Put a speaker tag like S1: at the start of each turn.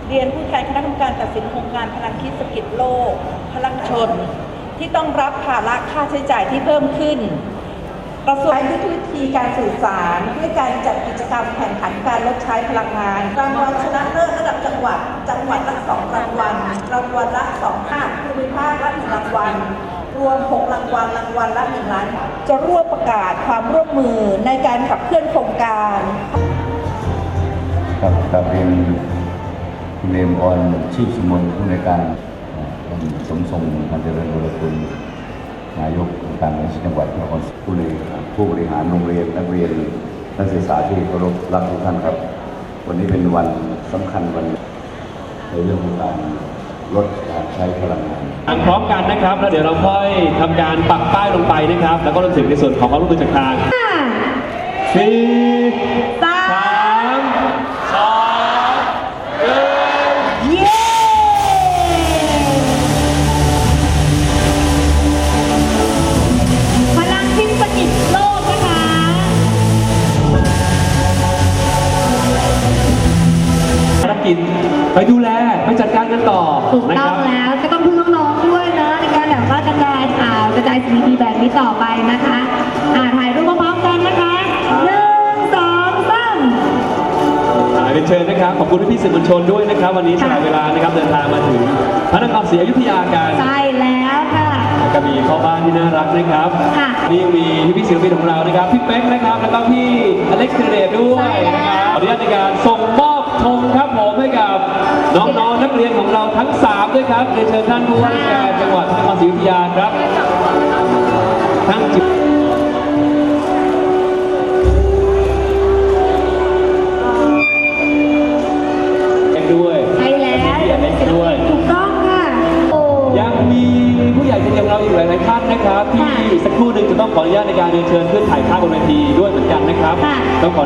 S1: เรียนผู้แทนคณะกรรมการตัดสินโครงการพลังคิดเศรษฐกิจโลกพลังชนที่ต้องรับภาระค่าใช้จ่ายที่เพิ่มขึ้นกระทรวงใช้ยุทธวิธีการสื่อสารด้วยการจัดกิจกรรมแข่งขันการลดใช้พลังงานรางวัลชนะเลิศระดับจังหวัดละ2 รางวัลรางวัลละ2 ภาคภูมิภาคละ1 รางวัลรวม6 รางวัลรางวัลละ1 ล้านบาทจะร่วมประกาศความร่วมมือในการขับเคลื่อนโครงการ
S2: กับเป็นคุณเอมออนชีพสมนผู้ในการสมทรงการเจริญบุรคุณนายกองค์การบริหารจังหวัดนครศรีผู้บริหารโรงเรียนนักเรียนนักศึกษาที่เคารพรักทุกท่านครับวันนี้เป็นวันสำคัญวันในเรื่องของการลดการใช้พลังงาน
S3: พร้อมกันนะครับแล้วเดี๋ยวเราค่อยทำการปักป้ายลงไปนะครับแล้วก็รวมถึงในส่วนของความร่วมมือจากทาง4 3 2 1
S1: เย้
S4: พลังคิดเศรษฐกิจโลกนะคะ
S3: ภารกิจไปดูแลไปจัดการกันต่อ
S4: ถูกต้องแล้วก็ต้องพึ่งน้องๆด้วยนะในการแบบว่ากระจายข่าวกระจายสิ่งดีๆแบบนี้ต่อไปนะคะถ่ายรูปพร้อมๆกันนะคะ1 2 3
S3: เป็นเชิญนะครับขอบคุณพี่สื่อมวลชนด้วยนะครับวันนี้สละเวลานะครับเดินทางมาถึงพระนครศรีอยุธยากัน
S4: ใช่แล้วค่ะ
S3: ก็มีพ่อบ้านที่น่ารักนะครับนี่มีพี่ศิลปินของเรานะครับพี่เป๊กนะครับแล้วก็พี่อเล็กซ์เทเรตด้วยนะครับขออนุญาตในการส่งมอบธงครับผมให้กับน้องๆนักเรียนของเราทั้ง3ด้วยครับเรียนเชิญท่านผู้ว่าราชการจังหวัดพระนครศรีอยุธยาครับทั้งจิตด้วย
S4: ใช่แล้ว
S3: ด้วย
S4: ถูกต้องค่ะ
S3: ยังมีผู้ใหญ่ใจดีของเราอีกหลายๆท่านนะครับที่สักครู่หนึ่งจะต้องขออนุญาตในการเรียนเชิญขึ้นถ่ายภาพบนเวทีด้วยเหมือนกันนะครับต้องขอ